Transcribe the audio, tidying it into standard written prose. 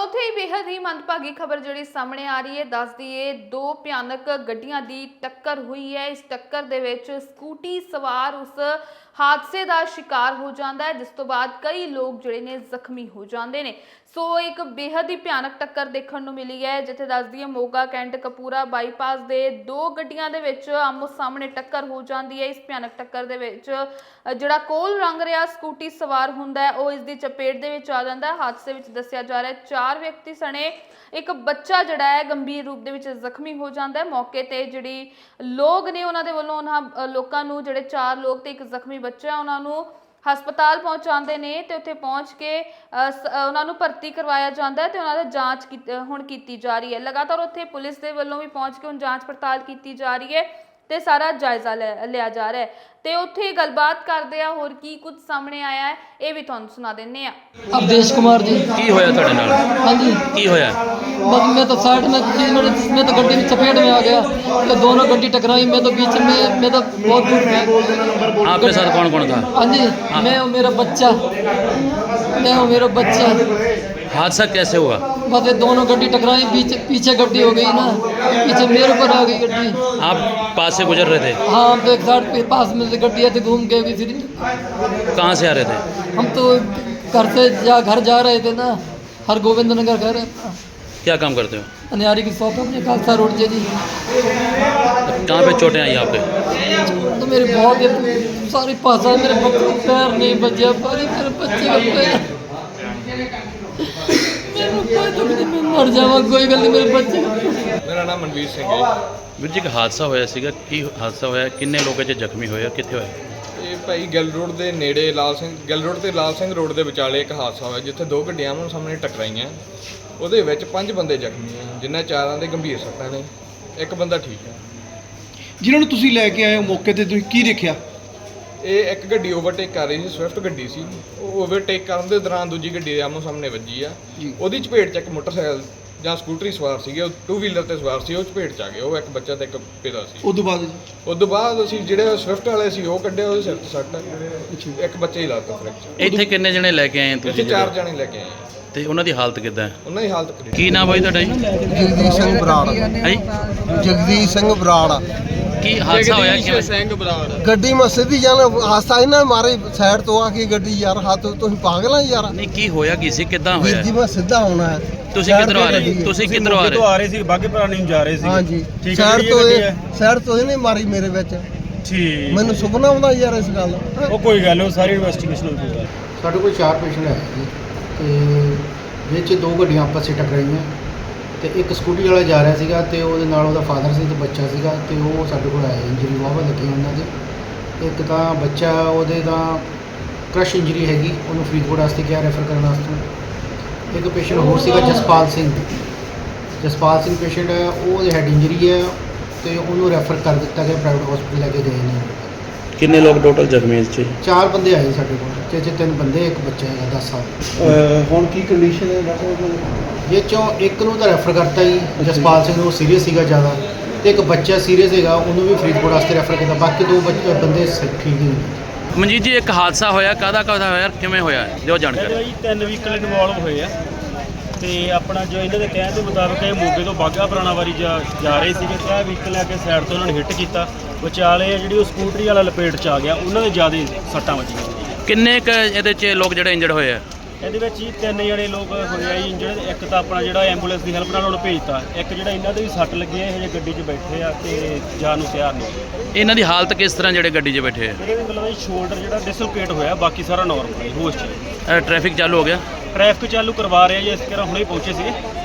ਉੱਥੇ ਹੀ ਬੇहद ਹੀ ਮੰਦਭਾਗੀ ਖਬਰ ਜਿਹੜੀ ਸਾਹਮਣੇ ਆ ਰਹੀ ਹੈ। ਦੱਸ ਦਈਏ ਦੋ ਭਿਆਨਕ ਗੱਡੀਆਂ ਦੀ ਟੱਕਰ ਹੋਈ ਹੈ। ਇਸ ਟੱਕਰ ਦੇ ਵਿੱਚ ਸਕੂਟੀ ਸਵਾਰ ਉਸ ਹਾਦਸੇ ਦਾ शिकार हो जाता है, जिस तो बाद कई लोग ਜਿਹੜੇ ਨੇ ਜ਼ਖਮੀ हो जाते हैं। सो एक बेहद ही भयानक टक्कर देखने को मिली है, जिथे दस दिए मोगा कैंट कपूरा बाईपास के दो गड्डियां दे विच आमो सामने टक्कर हो जाती है। इस भयानक टक्कर दे विच जिहड़ा कोल रंग रहा स्कूटी सवार हुंदा है वो इस दी चपेट दे विच आ जांदा है। हादसे विच दस्सिया जा रहा है 4 व्यक्ति सने एक बच्चा जिहड़ा है गंभीर रूप दे विच जख्मी हो जाता है। मौके ते जिहड़ी लोग ने उन्हां दे वल्लों उन्हां लोकां नूं जिहड़े 4 लोग ते एक जख्मी बच्चा है उन्हां नूं हस्पताल पहुँचाते हैं तो उत्थे पहुँच के उन्होंने भर्ती करवाया जाता है तो उन्होंने जाँच हुण की जा रही है। लगातार उत्थे पुलिस के वलों भी पहुँच के हुण जाँच पड़ताल की जा रही है तो सारा जायजा लिया जा रहा है। तो उत्थे गलबात करते हैं होर की कुछ सामने आया है ये भी तुहानूं सुना देने आ। अवधेश कुमार जी की होया तुहाडे नाल? हाँ जी की होया? बस मैं तो साइड में थी, मैं तो गड्डी में चपेट में आ गया तो दोनों गड्डी टकराई, मैं तो बीच में, मैं तो बहुत दूर में। आपके साथ कौन कौन था? हाँ जी मैं और मेरा बच्चा, मैं और मेरा बच्चा। हादसा कैसे हुआ? बस ये दोनों गड्डी टकराई, पीछे गड्डी हो गई ना, पीछे मेरे ऊपर आ गई गड्डी। आप पास से गुजर रहे थे? हाँ हम तो एक साइड पे पास में से गड्डी आती घूम के फिर कहाँ से आ रहे थे? हम तो घर से घर जा रहे थे ना, हर गोविंद नगर घर है। क्या काम करते हो? अनियारी की शॉप है अपने खालसा रोड से जी। कहाँ पे चोटें आई आपके? तो मेरे बहुत सारी पासा मेरे पैर नहीं बचे, मेरे बच्चे का पैर मैं मर जावा, कोई गल नहीं मेरे बच्चे का। मेरा नाम मनवीर सिंह है। ਵੀਰ ਜੀ ਇੱਕ ਹਾਦਸਾ ਹੋਇਆ ਸੀਗਾ, ਕੀ ਹਾਦਸਾ ਹੋਇਆ, ਕਿੰਨੇ ਲੋਕ ਇਹ 'ਚ ਜ਼ਖਮੀ ਹੋਏ, ਕਿੱਥੇ ਹੋਇਆ? ਇਹ ਭਾਈ ਗਿੱਲ ਰੋਡ ਦੇ ਨੇੜੇ ਗਿੱਲ ਰੋਡ ਤੇ ਲਾਲ ਸਿੰਘ ਰੋਡ ਦੇ ਵਿਚਾਲੇ ਇੱਕ ਹਾਦਸਾ ਹੋਇਆ ਜਿੱਥੇ ਦੋ ਗੱਡੀਆਂ ਆਮੋ ਸਾਹਮਣੇ ਟਕਰਾਈਆਂ। ਉਹਦੇ ਵਿੱਚ 5 ਬੰਦੇ ਜ਼ਖਮੀ ਆ, ਜਿਨ੍ਹਾਂ 4 ਦੇ ਗੰਭੀਰ ਸੱਟਾਂ ਨੇ, ਇੱਕ ਬੰਦਾ ਠੀਕ ਹੈ। ਜਿਨ੍ਹਾਂ ਨੂੰ ਤੁਸੀਂ ਲੈ ਕੇ ਆਏ ਹੋ ਮੌਕੇ ਤੇ ਤੁਸੀਂ ਕੀ ਦੇਖਿਆ? ਇਹ ਇੱਕ ਗੱਡੀ ਓਵਰਟੇਕ ਕਰ ਰਹੀ ਸੀ, ਸਵਿਫਟ ਗੱਡੀ ਸੀ। ਉਹ ਓਵਰਟੇਕ ਕਰਨ ਦੇ ਦੌਰਾਨ ਦੂਜੀ ਗੱਡੀ ਦੇ ਆਮੋ ਸਾਹਮਣੇ ਵੱਜੀ ਆ। ਉਹਦੀ ਚਪੇਟ 'ਚ ਇੱਕ ਮੋਟਰਸਾਈਕਲ ਜਾਂ ਸਕੂਟਰੀ ਸਵਾਰ ਸੀਗੇ, ਉਹ 2 ਵੀਲਰ ਤੇ ਸਵਾਰ ਸੀ, ਉਹ ਚਪੇਟ 'ਚ ਆ ਗਏ। ਉਹ ਇੱਕ ਬੱਚਾ ਤੇ ਇੱਕ ਪਿਤਾ ਸੀ। ਉਸ ਤੋਂ ਬਾਅਦ ਅਸੀਂ ਜਿਹੜੇ ਸਵਿਫਟ ਵਾਲੇ ਸੀ ਉਹ ਕੱਢਿਆ, ਉਹਦੇ ਸਿਰ 'ਤੇ ਸੱਟ, ਇੱਕ ਬੱਚੇ ਹੀ ਲਾਤਾ ਫ੍ਰੈਕਚਰ। ਇੱਥੇ ਕਿੰਨੇ ਜਣੇ ਲੈ ਕੇ ਆਏ ਤੁਸੀਂ? 4 ਜਣੇ ਲੈ ਕੇ ਆਏ ਆ। ਤੇ ਉਹਨਾਂ ਦੀ ਹਾਲਤ ਕਿੱਦਾਂ ਹੈ? ਉਹਨਾਂ ਦੀ ਹਾਲਤ ਕਰੀ। ਕੀ ਨਾਮ ਬਾਈ ਤੁਹਾਡਾ ਜੀ? ਜਗਦੀਸ਼ ਸਿੰਘ ਬਰਾੜ। ਹੈ ਜਗਦੀਸ਼ ਸਿੰਘ ਬਰਾੜ। ਕੀ ਹਾਦਸਾ ਹੋਇਆ? ਕਿਵੇਂ? ਸਿੰਘ ਬਰਾੜ। ਗੱਡੀ ਮੈਂ ਸਿੱਧੀ ਜਾਣਾ, ਹਾਸਾ ਇਹਨਾਂ ਮਾਰੇ ਸਾਈਡ ਤੋਂ ਆ ਕੇ ਗੱਡੀ, ਯਾਰ ਹੱਥ ਤੁਸੀਂ ਪਾਗਲ ਆ ਯਾਰ। ਨਹੀਂ ਕੀ ਹੋਇਆ, ਕੀ ਸੀ, ਕਿੱਦਾਂ ਵੀਰ ਹੋਇਆ? ਜੀ ਮੈਂ ਸਿੱਧਾ ਆਉਣਾ ਹੈ। ਤੁਸੀਂ ਕਿੱਧਰੋਂ ਆ ਰਹੇ? ਤੁਸੀਂ ਕਿੱਧਰੋਂ ਆ ਰਹੇ? ਆ ਰਹੇ ਸੀ ਬਾਗੇ ਪੁਰਾਣੇ ਨੂੰ ਜਾ ਰਹੇ ਸੀ। ਹਾਂਜੀ ਠੀਕ ਹੈ, ਸਾਈਡ ਤੋਂ ਇਹਨੇ ਮਾਰੀ ਮੇਰੇ ਵਿੱਚ। ਠੀਕ ਮੈਨੂੰ ਸੁਪਨਾ ਆਉਂਦਾ ਯਾਰ ਇਸ ਗੱਲ ਦਾ। ਉਹ ਕੋਈ ਗੱਲ ਨਹੀਂ, ਸਾਰੀ ਇਨਵੈਸਟੀਗੇਸ਼ਨ ਹੋ ਜਾਊਗੀ। ਸਾਡੇ ਕੋਲ 4 ਪੇਸ਼ੈਂਟ ਆਏ ਜੀ ਤੇ ਵਿੱਚ 2 ਗੱਡੀਆਂ ਆਪਸ ਵਿੱਚ ਟਕਰਾਈਆਂ ਤੇ ਇੱਕ ਸਕੂਟੀ ਵਾਲਾ ਜਾ ਰਿਹਾ ਸੀਗਾ ਤੇ ਉਹਦੇ ਨਾਲ ਉਹਦਾ ਫਾਦਰ ਸੀ ਤੇ ਬੱਚਾ ਸੀਗਾ ਤੇ ਉਹ ਸਾਡੇ ਕੋਲ ਆਇਆ। ਇੰਜਰੀ ਵਾਵਾ ਲੱਗੀ ਉਹਨਾਂ ਦੇ। ਇੱਕ ਤਾਂ ਬੱਚਾ ਉਹਦੇ ਤਾਂ ਕ੍ਰਸ਼ ਇੰਜਰੀ ਹੈਗੀ, ਉਹਨੂੰ ਫਰੀਦਕੋਟ ਵਾਸਤੇ ਕਿਹਾ ਰੈਫਰ ਕਰਨ ਵਾਸਤੇ। ਇੱਕ ਪੇਸ਼ੈਂਟ ਹੋਰ ਸੀਗਾ ਜਸਪਾਲ ਸਿੰਘ ਪੇਸ਼ੈਂਟ ਹੈ, ਉਹਦੇ ਹੈਡ ਇੰਜਰੀ ਹੈ ਤੇ ਉਹਨੂੰ ਰੈਫਰ ਕਰ ਦਿੱਤਾ ਗਿਆ, ਪ੍ਰਾਈਵੇਟ ਹਸਪੀਟਲ ਲੈ ਕੇ ਗਏ ਨੇ। ਕਿੰਨੇ ਲੋਕ ਟੋਟਲ ਜ਼ਖਮੀ ਇਸ 'ਚ? 4 ਬੰਦੇ ਆਏ ਸਾਡੇ ਕੋਲ, ਤੇ 3 ਬੰਦੇ, ਇੱਕ ਬੱਚਾ ਹੈਗਾ 10 ਸਾਲ। ਹੁਣ ਕੀ ਕੰਡੀਸ਼ਨ ਹੈ ਦੱਸੋ? ਇਹ 'ਚੋਂ ਇੱਕ ਨੂੰ ਤਾਂ ਰੈਫਰ ਕਰਤਾ ਜੀ, ਜਸਪਾਲ ਸਿੰਘ ਨੂੰ ਸੀਰੀਅਸ ਸੀਗਾ ਜ਼ਿਆਦਾ, ਤੇ ਇੱਕ ਬੱਚਾ ਸੀਰੀਅਸ ਹੈਗਾ, ਉਹਨੂੰ ਵੀ ਫਰੀਦਕੋਟ ਵਾਸਤੇ ਰੈਫਰ ਕੀਤਾ। ਬਾਕੀ 2 ਬੰਦੇ ਠੀਕ ਹੀ ਨੇ। ਮਨਜੀਤ ਜੀ ਇੱਕ ਹਾਦਸਾ ਹੋਇਆ, ਕਾਹਦਾ ਹੋਇਆ, ਕਿਵੇਂ ਹੋਇਆ, ਦਿਓ ਜਾਣਕਾਰੀ। ਜੀ 3 ਵਹੀਕਲ ਇਨਵੋਲਵ ਹੋਏ ਆ ਤੇ ਆਪਣਾ ਜੋ ਇਹਨਾਂ ਦੇ ਕਹਿਣ ਦੇ ਮੁਤਾਬਕ ਇਹ ਮੋਗੇ ਤੋਂ ਬਾਗਾ ਪੁਰਾਣਾ ਵਾਰੀ ਜਾ ਰਹੇ ਸੀਗੇ ਤੇ ਇਹ ਵਹੀਕਲ ਲੈ ਕੇ ਸਾਈਡ ਤੋਂ ਉਹਨਾਂ ਨੇ ਹਿੱਟ ਕੀਤਾ। ਵਿਚਾਲੇ ਜਿਹੜੀ ਉਹ ਸਕੂਟਰੀ ਵਾਲਾ ਲਪੇਟ 'ਚ ਆ ਗਿਆ, ਉਹਨਾਂ ਦੇ ਜ਼ਿਆਦਾ ਸੱਟਾਂ ਵੱਜੀਆਂ। ਕਿੰਨੇ ਕ ਇਹਦੇ 'ਚ ਲੋਕ ਜਿਹੜੇ ਇੰਜਰਡ ਹੋਏ ਆ? ਇਹਦੇ ਵਿੱਚ ਜੀ 3 ਜਣੇ ਲੋਕ ਹੋਏ ਆ ਜੀ ਇੰਜਰਡ। ਇੱਕ ਤਾਂ ਆਪਣਾ ਜਿਹੜਾ ਐਂਬੂਲੈਂਸ ਦੀ ਹੈਲਪ ਨਾਲ ਉਹਨੂੰ ਭੇਜਤਾ, ਇੱਕ ਜਿਹੜਾ ਇਹਨਾਂ ਦੇ ਵੀ ਸੱਟ ਲੱਗੀ ਹੈ, ਹਜੇ ਗੱਡੀ 'ਚ ਬੈਠੇ ਆ ਤੇ ਜਾਣ ਨੂੰ ਤਿਆਰ ਨਹੀਂ। ਇਹਨਾਂ ਦੀ ਹਾਲਤ ਕਿਸ ਤਰ੍ਹਾਂ ਜਿਹੜੇ ਗੱਡੀ 'ਚ ਬੈਠੇ ਆ? ਇਹਦੇ ਵੀ ਮਤਲਬ ਸ਼ੋਲਡਰ ਜਿਹੜਾ ਡਿਸਲੋਕੇਟ ਹੋਇਆ, ਬਾਕੀ ਸਾਰਾ ਨਾਰਮਲ ਹੈ, ਹੋਸ਼ 'ਚ। ਟ੍ਰੈਫਿਕ ਚਾਲੂ ਹੋ ਗਿਆ? ਟ੍ਰੈਫਿਕ ਚਾਲੂ ਕਰਵਾ ਰਹੇ ਆ ਜੀ, ਇਸ ਤਰ੍ਹਾਂ ਹੁਣੇ ਪਹੁੰਚੇ ਸੀ।